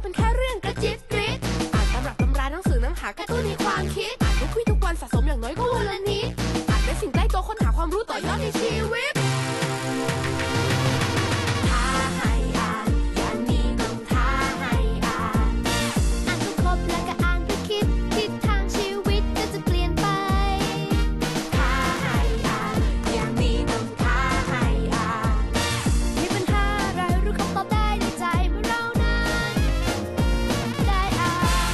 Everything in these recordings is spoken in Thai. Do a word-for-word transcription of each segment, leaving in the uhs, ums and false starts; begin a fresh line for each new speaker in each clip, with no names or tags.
เป็นแค่เรื่องกระจิบกริบอ่านตำรับตำราหนังสือน้ำหากระตุ้นในความคิดอ่านทุกวี่ทุกวันสะสมอย่างน้อยก็วันละนิดอ่านเป็นสิ่งใกล้ตัวค้นหาความรู้ต่อยอดในชีวิตท้าให้อ่านอย่างนี้ต้องท้าให้อ่านอ่านจนครบแล้วก็อ่านไปคิดทิศทางชีวิตก็จะเปลี่ยนไปท้าให้อ่านอย่างนี้ต้องท้าให้อ่านมีปัญหาอะไรรู้คำตอบได้ในใจเมื่อเรานั้นได้อ่าน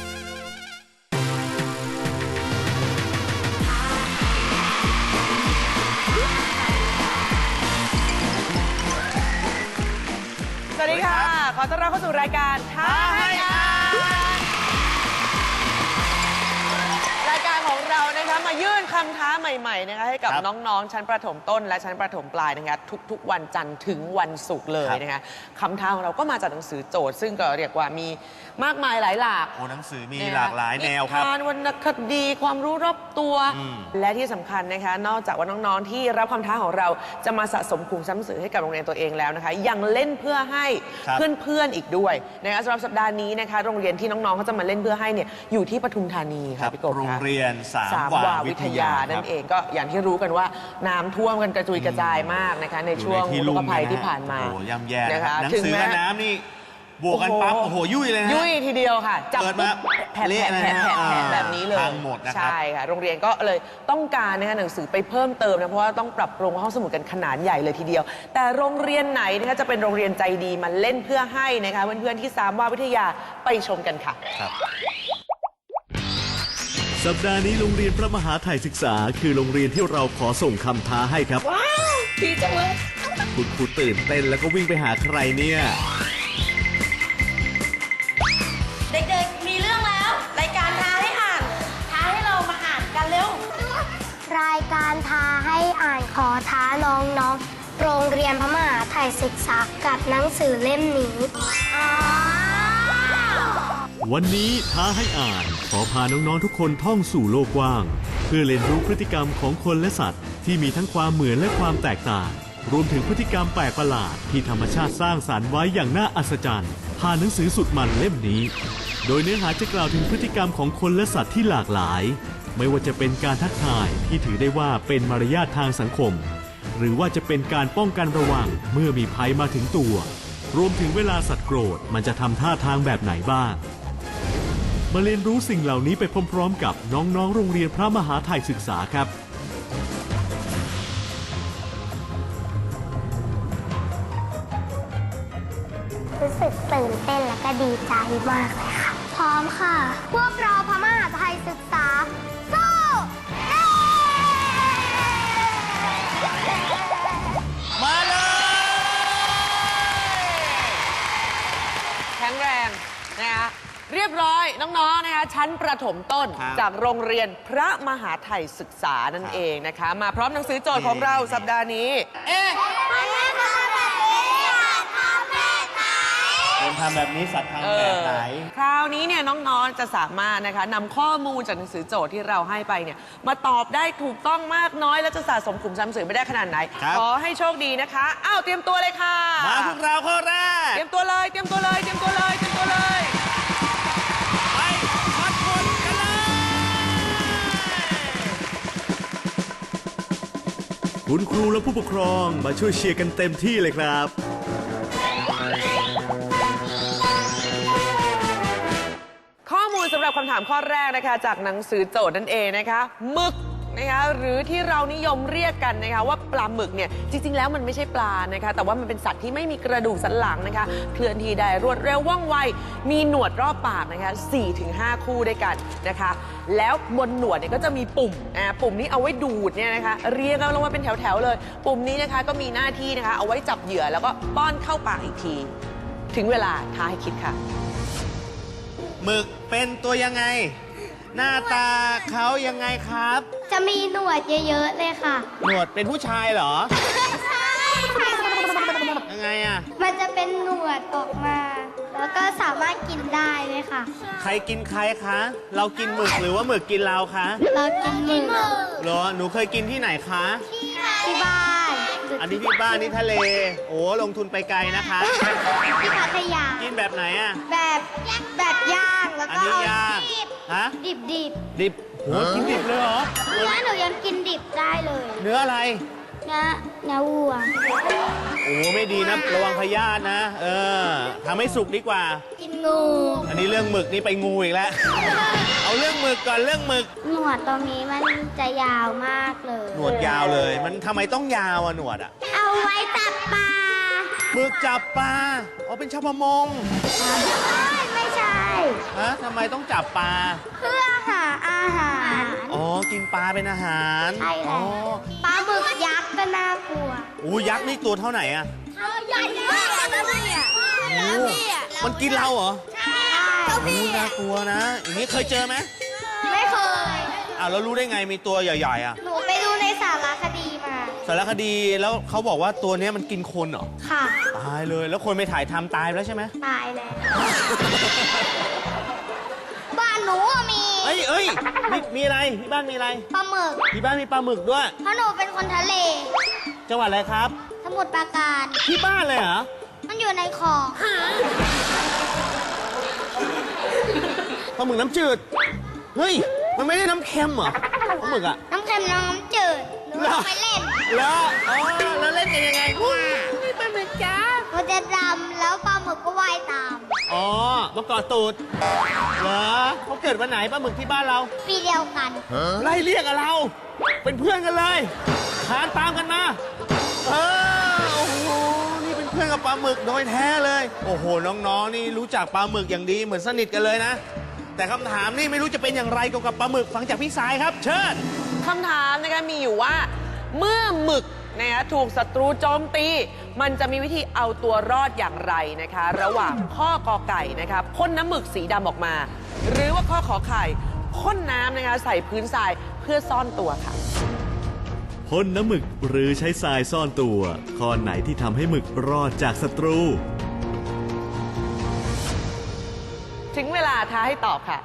สวัสดีค่ะ ขอต้อนรับเข้าสู่รายการท้าให้อ่านรายการของเรานะคะมายื่นคำท้าใหม่ๆนะคะให้กับน้องๆชั้นประถมต้นและชั้นประถมปลายนะคะทุกๆวันจันทร์ถึงวันศุกร์เลยนะคะคำท้าของเราก็มาจากหนังสือโจทย์ซึ่งก็เรียกว่ามีมากมายหลายหลาก
โอ้หนังสือมีหลากหลายแนวครับ
นิทานวรรณคดีความรู้รอบตัวและที่สำคัญนะคะนอกจากว่าน้องๆที่รับคำท้าของเราจะมาสะสมขุมทรัพย์หนังสือให้กับโรงเรียนตัวเองแล้วนะคะยังเล่นเพื่อให้เพื่อนๆอีกด้วยนะคะสำหรับสัปดาห์นี้นะคะโรงเรียนที่น้องๆเขาจะมาเล่นเพื่อให้เนี่ยอยู่ที่ปทุมธานีค่ะพี่กบ
โรงเรียนสาม
สาม
วาว
า
วิ
วิ
ท
ท
ยาย
านั่นเองก็อย่างที่รู้กันว่าน้ำท่วมกันกระจุยกระจายมากนะคะในช่วงอุทกภัยที่ผ่านมา
โอ้ย่ำแย่
นะคะ
หนังสือกับน้ำนี่บวกกันปั๊บโอ้โหยุ่ยเลยนะ
ยุ่ยทีเดียวค่ะจับ
เปิดมา
แผ่น
เละ
แผ่น
เลย
แผ่น
นะ
แผ่น
อ่า
แผ่นแบบนี้เลย
พังหมดนะครับ
ใช่ค่ะโรงเรียนก็เลยต้องการนะคะหนังสือไปเพิ่มเติมนะเพราะว่าต้องปรับปรุงห้องสมุดกันขนาดใหญ่เลยทีเดียว แต่โรงเรียนไหนนะคะจะเป็นโรงเรียนใจดีมาเล่นเพื่อให้นะคะเพื่อนๆที่สามวาวิทยาไปชมกันค่ะ
ครับ
สัปดาห์นี้โรงเรียนพระมหาไทยศึกษาคือโรงเรียนที่เราขอส่งคำท้าให้ครับว้าวดีจังเลยคุณครูตื่นเต้นแล้วก็วิ่งไปหาใครเนี่ย
เด็กๆ มีเรื่องแล้ว รายการท้าให้อ่าน ท้าให้เรามาอ่านกันเร็ว
รายการท้าให้อ่านขอท้าน้องๆ โรงเรียนพระมหาไทยศึกษากับหนังสือเล่มนี้
วันนี้ท้าให้อ่านขอพาน้องๆทุกคนท่องสู่โลกกว้างเพื่อเรียนรู้พฤติกรรมของคนและสัตว์ที่มีทั้งความเหมือนและความแตกต่างรวมถึงพฤติกรรมแปลกประหลาดที่ธรรมชาติสร้างสรรค์ไว้อย่างน่าอัศจรรย์ผ่านหนังสือสุดมันเล่มนี้โดยเนื้อหาจะกล่าวถึงพฤติกรรมของคนและสัตว์ที่หลากหลายไม่ว่าจะเป็นการทักทายที่ถือได้ว่าเป็นมารยาททางสังคมหรือว่าจะเป็นการป้องกันระวังเมื่อมีภัยมาถึงตัวรวมถึงเวลาสัตว์โกรธมันจะทำท่าทางแบบไหนบ้างมาเรียนรู้สิ่งเหล่านี้ไปพร้อมๆกับน้องๆโรงเรียนพระมหาไทยศึกษาครับ
รู้สึกตื่นเต้นและก็ดีใจมากเลยค่ะ พร้อมค่ะ พวกเราพระมหาไทยศึกษาสู้
มาเลย
แข็งแรงนะคะเรียบร้อยน้องๆนะคะชั้นประถมต้นจากโรงเรียนพระมหาไทยศึกษานั่นเองนะคะมาพร้อมหนังสือโจทย์ของเราสัปดาห์นี้เอ๊ะ
คนทำแบบนี้สัตว์ทำแบบไหน
คราวนี้เนี่ยน้องๆจะสามารถนะคะนำข้อมูลจากหนังสือโจทย์ที่เราให้ไปเนี่ยมาตอบได้ถูกต้องมากน้อยและจะสะสมขุมทรัพย์หนังสือไม่ได้ขนาดไหนขอให้โชคดีนะคะอ้าวเตรียมตัวเลยค่ะ
มาพวกเราข้อแรก
เตรียมตัวเลยเตรียมตัวเลยเตรียมตัวเลยเตรียมตัวเลย
ไปพัดคนกันเลย
คุณครูและผู้ปกครองมาช่วยเชียร์กันเต็มที่เลยครับ
ข้อมูลสำหรับคำถามข้อแรกนะคะจากหนังสือโจทย์นั่นเองนะคะหมึกนะคะหรือที่เรานิยมเรียกกันนะคะว่าปลาหมึกเนี่ยจริงๆแล้วมันไม่ใช่ปลานะคะแต่ว่ามันเป็นสัตว์ที่ไม่มีกระดูกสันหลังนะคะเคลื่อนที่ได้รวดเร็วว่องไวมีหนวดรอบปากนะคะ สี่ถึงห้า คู่ด้วยกันนะคะแล้วบนหนวดเนี่ยก็จะมีปุ่มอ่าปุ่มนี้เอาไว้ดูดเนี่ยนะคะเรียงกันลงมาเป็นแถวๆเลยปุ่มนี้นะคะก็มีหน้าที่นะคะเอาไว้จับเหยื่อแล้วก็ป้อนเข้าปากอีกทีถึงเวลาท้าให้คิดค่ะ
หมึกเป็นตัวยังไง หน้าตาเขายังไงครับ
จะมีหนวดเยอะๆเลยค่ะ
หนวดเป็นผู้ชายเหรอ
ใช่ค่ะ
ยังไงอ่ะ
มันจะเป็นหนวดออกมา แล้วก็สามารถกินได้เลยค่ะ
ใครกินใครคะ เรากินหมึกหรือว่าหมึกกินเราคะ
เรากินหมึก
เหรอ หนูเคยกินที่ไหนคะ
ที่บ้านหรือ
อันนี้ที่บ้านนี่ทะเล โอ้ลงทุนไปไกลนะคะ
ที่พัทยา
กินแบบไหนอ่ะ
แบบแบบย่างแล้ว
อัน
ก็
นี้
เอา
ย่าง
ดิบ
ฮะ
ดิบดิบ
ดิบโหกินดิบเลยเหรอ
เนื้อหนูยังกินดิบได้เลย
เนื้ออะไร
เนื้อเนื้อวัว
โอ้ไม่ดีนะระวังพยาธินะ เออทำให้สุกดีกว่า
กินงู
อันนี้เรื่องหมึกนี่ไปงูอีกแล้ว เอาเรื่องหมึกก่อนเรื่องหมึก
หนวดตรงนี้มันจะยาวมากเลย
หนวดยาวเลย มันทำไมต้องยาวอะหนวดอะ
เอาไว้จับปลา
หมึกจับปลาอ๋อเป็นชาวประมง
ไม่ใช่
ฮะทำไมต้องจับปลา
เพื่อหาอาหาร
อ๋อ กินปลาเป็นอาหาร
ใช่
อ๋
แล้
อ
วปลาหมึกยักษ์ก็น่ากลัว
โอ้ยักษ์นี่ตัวเท่าไหนอะ
ใหญ่มากนะพี่อ่ะ
โอ้มันกินเราเหรอ
ใช่
โอ้น่ากลัวนะ อย่างนี้เคยเจอไหม
ไม่เคย
อ้าวแล้วรู้ได้ไงมีตัวใหญ่ๆอะ
หนูไปดูในสารคดีมา
สารคดีแล้วเขาบอกว่าตัวเนี้ยมันกินคนเหรอ
ค่ะ
ตายเลย แล้วคนไปถ่ายทำตายไปแล้วใช่ไหม
ตายแล้ว บ้านหนูอะมี
เอ้ยเอ้ยมีมีอะไรที่บ้านมีอะไร
ปลาหมึก
ที่บ้านมีปลาหมึกด้วย
เพราะหนูเป็นคนทะเล
จังหวัดอะไรครับ
สมุทรปราการ
ที่บ้านเลยเหรอ
มันอยู่ในคลอง
ปลาหมึกน้ำจืด เฮ้ย มันไม่ได้น้ำเค็มเหรอปลาหมึกอะ
น้ำเค็มน้ำจืดหนูเอาไปเล่น
แล้วอ๋อแล้วเล่นกันยังไงอุ้ย
ปลาหมึกจ้ามันจะดำแล้วปลาหมึกก็ว่ายตาม
อ๋อมาเกาะตูดเหรอเขาเกิดวันไหนปลาหมึกที่บ้านเรา
ปีเดียวกัน
ไล่เรียกกับเรา เป็นเพื่อนกันเลยคานตามกันมา เออ โอ้โห นี่เป็นเพื่อนกับปลาหมึกโดยแท้เลย โอ้โห น้องๆ นี่รู้จักปลาหมึกอย่างดีเหมือนสนิทกันเลยนะ แต่คำถามนี่ไม่รู้จะเป็นอย่างไรเกี่ยวกับปลาหมึกฟังจากพี่สายครับ เชิญ
คำถามนะคะมีอยู่ว่าเมื่อหมึกนะคะถูกศัตรูโจมตี มันจะมีวิธีเอาตัวรอดอย่างไรนะคะ ระหว่างข้อกอไก่นะคะพ่นน้ำหมึกสีดำออกมา หรือว่าข้อขอไข่พ่นน้ำนะคะใส่พื้นทรายเพื่อซ่อนตัวค่ะ
พ่นน้ำหมึกหรือใช้ทรายซ่อนตัว ข้อไหนที่ทำให้หมึกรอดจากศัตรู
ถึงเวลาท้าให้ตอบค่ะ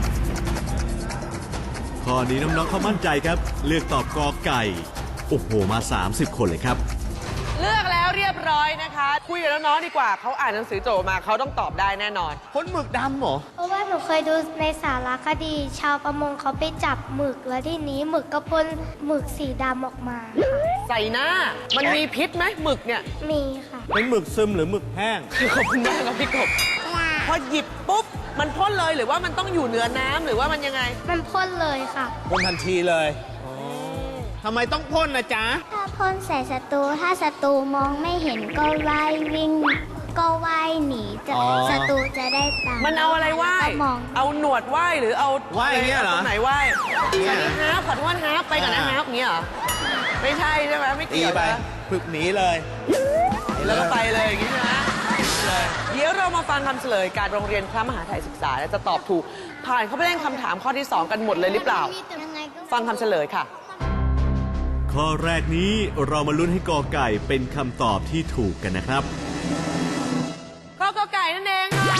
ข้อนี้น้องๆเขามั่นใจครับ เลือกตอบกอไก่ โอ้โห มา สามสิบ คนเลยครับ
เลือกแล้วเรียบร้อยนะคะ คุยกับน้องๆดีกว่าเขาอ่านหนังสือโจทย์มาเขาต้องตอบได้แน่นอน
พ่นหมึกดำเหรอ
เพราะว่าหนูเคยดูในสารคดี ชาวประมงเขาไปจับหมึกแล้วที่นี้หมึกก็พ่นหมึกสีดำออกมาค่ะ
ใส่หน้า มันมีพิษไหมหมึกเนี่ย
มีค่ะ
เป็นหมึกซึมหรือหมึกแห้ง
ขอบคุณมากครับพี่กบพอหยิบปุ๊บมันพ่นเลยหรือว่ามันต้องอยู่เหนือน้ำหรือว่ามันยังไง
มันพ่นเลยค่ะ
พ่นทันทีเลยทำไมต้องพ่นนะจ๊ะ
ถ้าพ่นใส่ศัตรูถ้าศัตรูมองไม่เห็นก็ว่ายวิ่ง ก็ว่ายหนีจะ
อ๋อ
ศัตรูจะได้ตาม
มันเอาอะไรไหว้
ก็มอง
เอาหนวดไหว้หรือเอา
ไหว้อย่างเงี้ยเหรอ
ตรงไหนไหว้อันนี้ฮาร์ปขอโทษฮาร์ปไปก่อนนะ
อ่า
ฮาร์ปอย่างเงี้ยเหรอ ไม่ใช่ใช่ไหมไม่
ตี
เกี่ยว
ไป
นะ
ฝึกหนีเลย
แล้วก็ไปเลยอย่างงี้ใช่ไหมเลยเดี๋ยวเรามาฟังคำเฉลยการโรงเรียนพระมหาไทยศึกษาและจะตอบถูก ผ่านเข้าไปเล่นคำถามข้อที่สองกันหมดเลยหรือเปล่า
ยังไงก็
ฟังคำเฉลยค่ะ
ข้อแรกนี้เรามาลุ้นให้กอไก่เป็นคำตอบที่ถูกกันนะครับ
ข้อกอไก่นั่นเองค่ะ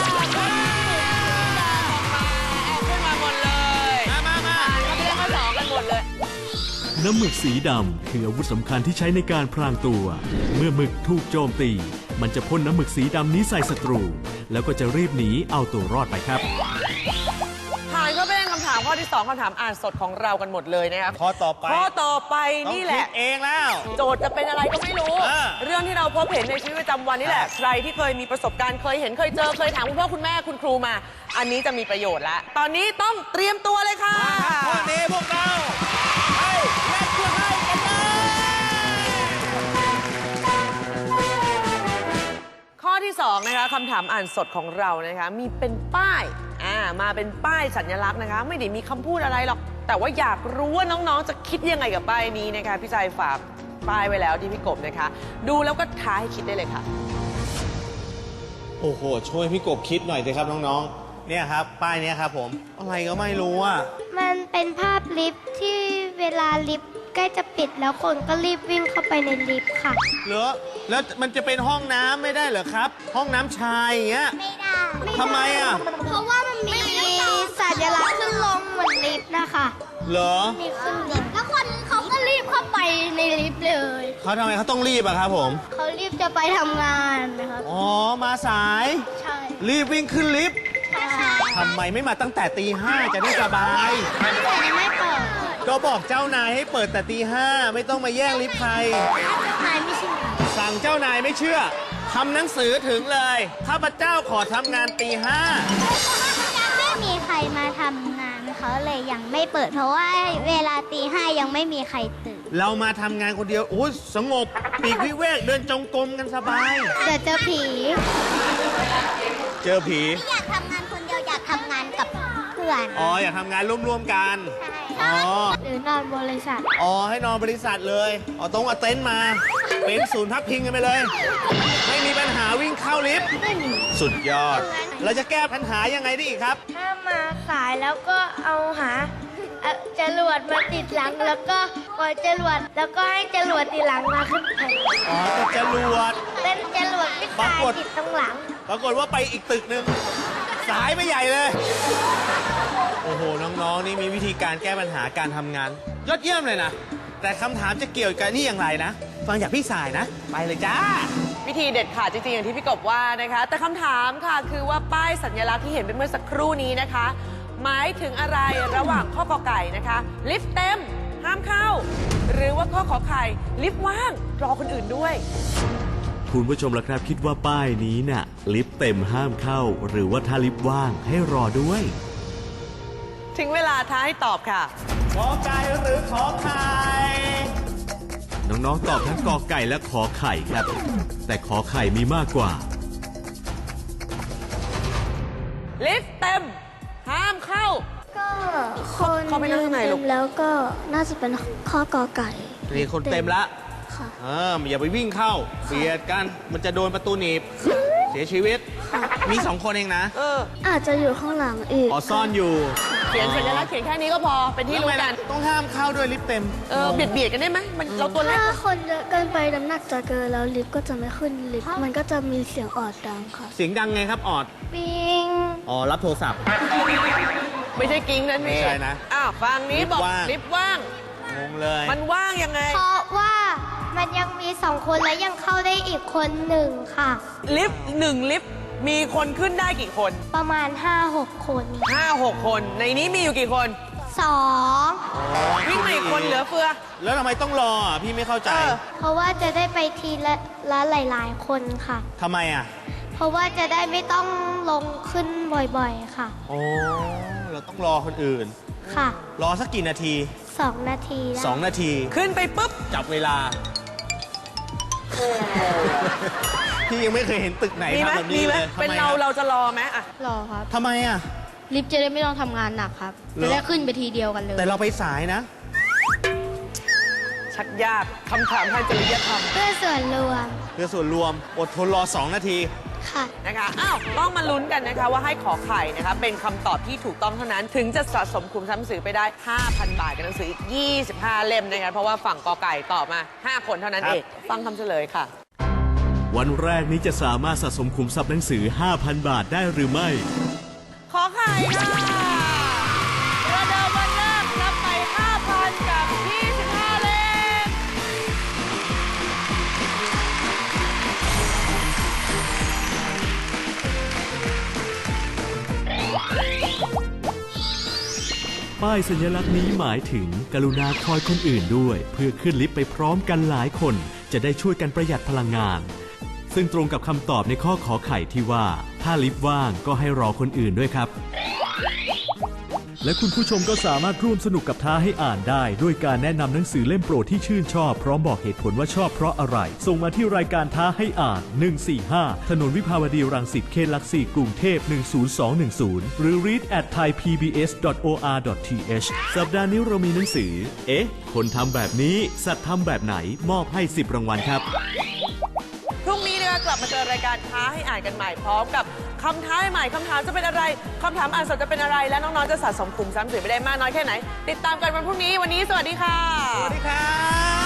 แอบขึ้นมาหมดเลย
มามามา
ผ่านเข้าไปเล่นข้อสองกันหมดเลย
น้ำหมึกสีดำคืออาวุธสำคัญที่ใช้ในการพรางตัว เมื่อหมึกถูกโจมตี มันจะพ่นน้ำหมึกสีดำนี้ใส่ศัตรู แล้วก็จะรีบหนีเอาตัวรอดไปครับ
ผ่านเข้าไปเล่นคำถามข้อที่สองคำถามอ่านสดของเรากันหมดเลยนะครับ
ข้อต่อไป
ข้อต่อไป
ต้อง
นี่แห
คิ
ละ
ดเองแล้ว
โจทย์จะเป็นอะไรก็ไม่รู้
อ่า
เรื่องที่เราพบเห็นในชีวิตประจำวันนี่แหละ
ครับ
ใครที่เคยมีประสบการณ์เคยเห็นเคยเจอเคยถามคุณพ่อคุณแม่คุณครูมา อันนี้จะมีประโยชน์แล้ว ตอนนี้ต้องเตรียมตัวเลยค่ะ
ข้อนี้พวกเราไปเล่นเพื่อให้กันเลย
ข้อที่สองนะคะคำถามอ่านสดของเรานะคะมีเป็นป้ายอ่ามาเป็นป้ายสัญลักษณ์นะคะ ไม่ได้มีคำพูดอะไรหรอก แต่ว่าอยากรู้ว่าน้องๆจะคิดยังไงกับป้ายนี้นะคะพี่ชายฝากป้ายไว้แล้วที่พี่กบนะคะ ดูแล้วก็ท้าให้คิดได้เลยค่ะ
โอ้โห ช่วยพี่กบคิดหน่อยสิครับน้องๆ เนี่ยครับ ป้ายเนี้ยครับผม อะไรก็ไม่รู้อ่ะ
มันเป็นภาพลิฟต์ที่เวลาลิฟต์ใกล้จะปิดแล้วคนก็รีบวิ่งเข้าไปในลิฟต์ค่ะ
เหรอ แล้วมันจะเป็นห้องน้ำไม่ได้เหรอครับ ห้องน้ำชายอย่างเงี้ย
ไม่ได้
ทำไมอ่ะ
เพราะว่ามันมีสัญลักษณ์ขึ้นลงเหมือนลิฟต์นะคะ
เหรอ
มีขึ้นลิฟต์แล้วคนเขาก็รีบเข้าไปในลิฟต์เลย
เขาทำไมเขาต้องรีบอะครับผม
เขารีบจะไปทำงานนะครับ
อ๋อ มาสาย
ใช่
รีบวิ่งขึ้นลิฟต์
ใช่
ทำไมไม่มาตั้งแต่ตีห้าจะได้สบาย
แต่ยังไม่เปิด
ก็บอกเจ้านายให้เปิดแต่ตีห้าไม่ต้องมาแย่งลิฟต์ใคร
นายไม่ใช่
สั่งเจ้านายไม่เชื่อทำหนังสือถึงเลยข้าพเจ้าขอทำงานตีห้า
ไม่มีใครมาทำงานเขาเลยยังไม่เปิด เพราะว่าเวลาตีห้ายังไม่มีใครตื่น
เรามาทำงานคนเดียวโอ้ยสงบปีกวิเวกเดินจงกรมกันสบาย
เดี๋ยวเจอผี
เจอผี
ไม่อยากทำงานคนเดียวอยากทำงานกับเพื่อน
อ๋ออยากทำงานร่วมๆกัน อ๋อ
หรือนอนบริษัท
อ๋อให้นอนบริษัทเลยอ๋อต้องเอาเต็นท์มา เป็นศูนย์พักพิงกันไปเลย ไม่มีปัญหาวิ่งเข้าลิฟต์
ไม่มี
สุดยอด เราจะแก้ปัญหายังไงได้อีกครับ
ถ้ามาสายแล้วก็เอาหาเอ่อจรวดมาติดหลังแล้วก็ปล่อยจรวดแล้วก็ให้จรวดติดหลังมาขึ้นไป
อ๋อแต่จรวด
เป็นจรวดไม่ตายติดตรงหลัง
ปรากฏว่าไปอีกตึกหนึ่งสายไปใหญ่เลย โอ้โห น้อง ๆ นี่มีวิธีการแก้ปัญหาการทำงาน ยอดเยี่ยมเลยนะ แต่คำถามจะเกี่ยวกับนี่อย่างไรนะ ฟังจากพี่สายนะ ไปเลยจ้า
วิธีเด็ดขาดจริงๆ อย่างที่พี่กบว่านะคะ แต่คำถามค่ะคือว่าป้ายสัญลักษณ์ที่เห็นเป็นเมื่อสักครู่นี้นะคะ หมายถึงอะไรระหว่างข้อกอไก่นะคะลิฟต์เต็มห้ามเข้า หรือว่าข้อขอไข่ลิฟต์ว่างรอคนอื่นด้วย
คุณผู้ชมล่ะครับคิดว่าป้ายนี้น่ะลิฟต์เต็มห้ามเข้า หรือว่าถ้าลิฟต์ว่างให้รอด้วย
ถึงเวลาท้าให้ตอบค่ะ
ขอไก่หรือขอไข่
น้องๆ ตอบทั้งกอไก่และขอไข่ครับ แต่ขอไข่มีมากกว่า
ลิฟต์เต็มห้ามเข้า
ก็คน
เข้าไปนั่งข้างในลูก
เต็มแล้วก็น่าจะเป็นข้อกอไก่
นี่คนเต็มละ
ค่ะ
เอออย่าไปวิ่งเข้าเบียดกัน มันจะโดนประตูหนีบ เสียชีวิต มีสองคนเองนะ
เออ
อาจจะอยู่ข้างหลังอีก
อ๋อซ่อนอยู่
เขียนสัญลักษณ์เขียนแค่นี้ก็พอเป็นที่รู้กัน
ต้องห้ามเข้าด้วยลิฟต์เต็ม
เออเบียดเบียดกันได้ไหมมันเราตัวเล็ก
ถ้าคนเยอะเกินไปน้ำหนักจะเกินแล้วลิฟต์ก็จะไม่ขึ้นลิฟต์มันก็จะมีเสียงออดดังค่ะ
เสียงดังไงครับออด
ปิง
อ๋อ รับโทรศัพท์
ไม่ใช่กิ้งนั่นนี่
ไม่ใช่นะ
อ้าวฟังนี้บอก
ลิฟต์ว่าง
ลิฟต์ว่าง
งงเลย
มันว่างยังไง
เพราะว่ามันยังมีสองคนและยังเข้าได้อีกคนหนึ่งค่ะ
ลิฟต์หนึ่งลิฟต์มีคนขึ้นได้กี่คน
ประมาณ ห้าหก คน
ห้าหกคน ในนี้มีอยู่กี่คน
สอง
วิ่งมาอีกคนเหลือเฟือ
แล้วทำไมต้องรออ่ะ พี่ไม่เข้าใจ
เออ
เพราะว่าจะได้ไปทีละละหลาย ๆ คนค่ะ
ทำไมอ่ะ
เพราะว่าจะได้ไม่ต้องลงขึ้นบ่อยๆ ค่ะ
โอ้ เราต้องรอคนอื่น
ค่ะ
รอสักกี่นาที
สองนาทีได้
สองนาที
ขึ้นไปปุ๊บ
จับเวลา พี่ยังไม่เคยเห็นตึกไหน
มีไหม
ทำแบบ
มี
นี้
ไหม
เลย
เป็น
ทำไม
เรา
อ่ะ
เราจะรอไหมอะ
รอครับ
ทำไมอ่ะ
ลิฟต์จะได้ไม่ต้องทำงานหนักครับ
เหรอ
จะได้ขึ้นไปทีเดียวกันเลย
แต่เราไปสายนะ
ชักยากคำถามทางจริยธรรม
เพื่อส่วนรวม
เพื่อส่วนรวม อดทนรอสองนาที
ค่ะ
นะคะอ้าวต้องมาลุ้นกันนะคะว่าให้ขอไข่นะคะเป็นคำตอบที่ถูกต้องเท่านั้น ถึงจะสะสมคุมทรัพย์หนังสือไปได้ ห้าพัน บาทกับหนังสืออีก ยี่สิบห้า เล่มนะคะเพราะว่าฝั่งกอไก่ตอบมา ห้า คนเท่านั้น
ครับ
เองฟังคำเฉลยค่ะ
วันแรกนี้จะสามารถสะสมขุมทรัพย์หนังสือ ห้าพัน บาทได้หรือไม่
ขอไข่ค่ะประเดิมวันแรกรับไป ห้าพัน กับ ยี่สิบห้า เล่ม
ป้ายสัญลักษณ์นี้หมายถึงกรุณาคอยคนอื่นด้วย เพื่อขึ้นลิฟต์ไปพร้อมกันหลายคน จะได้ช่วยกันประหยัดพลังงาน ซึ่งตรงกับคำตอบในข้อขอไข่ที่ว่า ถ้าลิฟต์ว่างก็ให้รอคนอื่นด้วยครับ และคุณผู้ชมก็สามารถร่วมสนุกกับท้าให้อ่านได้ ด้วยการแนะนำหนังสือเล่มโปรดที่ชื่นชอบพร้อมบอกเหตุผลว่าชอบเพราะอะไร ส่งมาที่รายการท้าให้อ่าน หนึ่งสี่ห้า ถนนวิภาวดีรังสิตเขตหลักสี่กรุงเทพหนึ่งศูนย์สองหนึ่งศูนย์ หรือ read at thai p b s dot o r dot t h สัปดาห์นี้เรามีหนังสือ เอ๊ะ คนทำแบบนี้สัตว์ทำแบบไหนมอบให้สิบรางวัลครับ
พรุ่งนี้นะคะกลับมาเจอรายการท้าให้อ่านกันใหม่พร้อมกับคำท้าใหม่คำถามจะเป็นอะไรคำถามอ่านสดจะเป็นอะไรและน้องๆจะสะสมคุมทรัพย์หนังสือไปได้มากน้อยแค่ไหน ติดตามกันวันพรุ่งนี้วันนี้สวัสดีค่ะ
สวัสดีครับ